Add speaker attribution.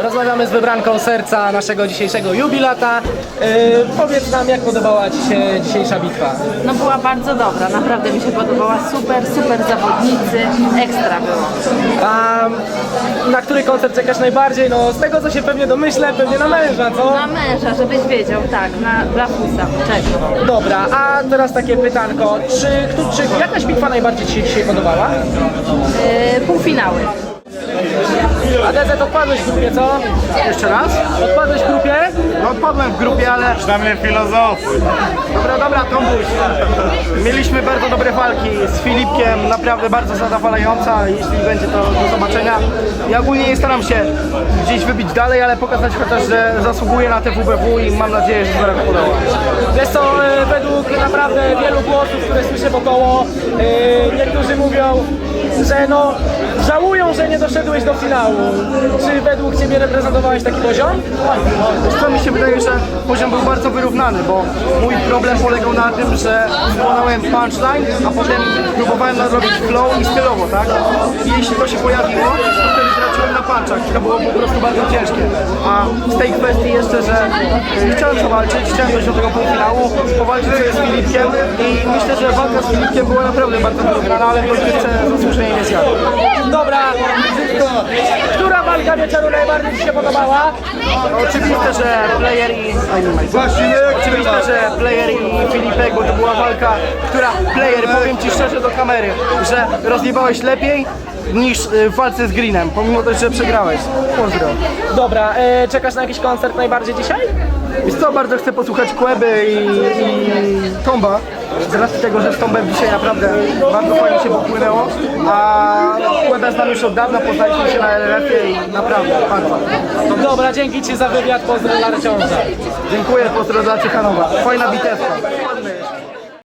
Speaker 1: Rozmawiamy z wybranką serca naszego dzisiejszego jubilata. Powiedz nam, jak podobała Ci się dzisiejsza bitwa?
Speaker 2: No była bardzo dobra, naprawdę mi się podobała, super zawodnicy, ekstra było.
Speaker 1: A na który koncert czekasz najbardziej? No z tego co się pewnie domyślę, pewnie na męża, co?
Speaker 2: Na męża, żebyś wiedział, tak, dla Fusa, cześć.
Speaker 1: Dobra, a teraz takie pytanko, czy jakaś bitwa najbardziej Ci się dzisiaj podobała?
Speaker 2: Półfinały.
Speaker 1: A DZ odpadłeś w grupie, co? Jeszcze raz? Odpadłeś w grupie?
Speaker 3: No odpadłem w grupie, ale...
Speaker 4: Przynajmniej filozofy.
Speaker 3: Dobra, Tombuś. Mieliśmy bardzo dobre walki z Filipkiem, naprawdę bardzo zadowalająca, jeśli będzie to do zobaczenia. Ja ogólnie nie staram się gdzieś wybić dalej, ale pokazać chociaż, że zasługuję na te WBW i mam nadzieję, że zaraz podoba.
Speaker 1: Wiesz co, według naprawdę wielu głosów, które słyszę wokoło, niektórzy mówią, że no żałują, że nie doszedłeś do finału. Czy według Ciebie reprezentowałeś taki poziom?
Speaker 3: Wiesz co, mi się wydaje, że poziom był bardzo wyrównany, bo mój problem polegał na tym, że wykonałem punchline, a potem próbowałem nadrobić flow i stylowo, tak? I jeśli to się pojawiło, to wtedy traciłem na punchach i to było po prostu bardzo ciężkie. A z tej kwestii jeszcze, że chciałem zawalczyć, chciałem dojść do tego półfinału, powalczyć sobie z Filipkiem i myślę, że walka z Filipkiem była naprawdę bardzo wyrównana, ale w końcówce zasłużenie nie zjadł.
Speaker 1: Dobra, która walka wieczoru najbardziej Ci się podobała?
Speaker 3: Oczywiste, że Player i... Oczywiście, że Player i Filipek, bo to była walka, która... Player, powiem Ci szczerze do kamery, że rozjebałeś lepiej niż w walce z Greenem, pomimo też, że przegrałeś. Pozdro.
Speaker 1: Dobra, czekasz na jakiś koncert najbardziej dzisiaj?
Speaker 3: Wiesz co, bardzo chcę posłuchać Kłeby i Tomba. Z racji tego, że z Tombem dzisiaj naprawdę bardzo fajnie się popłynęło, a Kłebę znam już od dawna, poznaliśmy się na LRF-ie i naprawdę bardzo.
Speaker 1: Dobra, dzięki Ci za wywiad, pozdro dla Ciąża.
Speaker 3: Dziękuję, pozdro dla Ciechanowa. Fajna bitewka.